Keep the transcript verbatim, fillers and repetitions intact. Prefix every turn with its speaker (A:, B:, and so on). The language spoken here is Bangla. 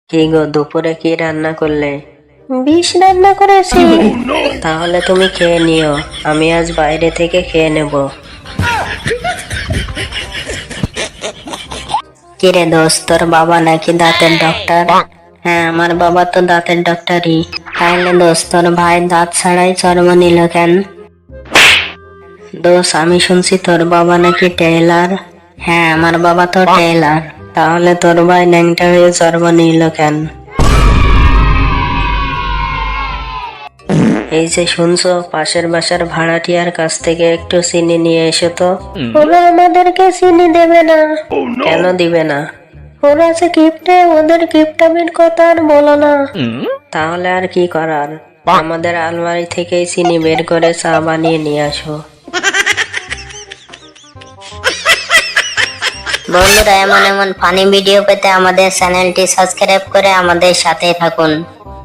A: কি গো, দুপুরে কি রান্না করলে?
B: বিষ রান্না করেছি।
A: তাহলে তুমি খেয়ে নিও, আমি আজ বাইরে থেকে খেয়ে নেব।
B: কিরে দোস্ত, তোর বাবা নাকি দাঁতের ডক্টর?
A: হ্যাঁ, আমার বাবা তো দাঁতের ডক্টরই।
B: তাইলে দোস্ত, তোর ভাই দাঁত ছাড়াই চর্ম নিল কেন?
A: দোষ, আমি শুনছি তোর বাবা নাকি টেইলার।
B: হ্যাঁ, আমার বাবা তো টেইলার।
A: তাহলে তোর ভাই ন্যাংটা হয়ে চর্ম নিল কেন? এই যে শুনছো, পাশের বাসার ভাড়াটিয়ার কাছ থেকে একটু চিনি নিয়ে এসো তো।
B: ওরা আমাদেরকে চিনি দেবে না।
A: কেন দিবে না?
B: ওরা যে গিফটে, ওদের গিফটামির কথা আর বলো না।
A: তাহলে আর কি করার, আমাদের আলমারি থেকেই চিনি বের করে চা বানিয়ে নিয়ে আসো।
B: বন্ধুরা, এমন এমন ফানি ভিডিও পেতে আমাদের চ্যানেলটি সাবস্ক্রাইব করে আমাদের সাথে থাকুন।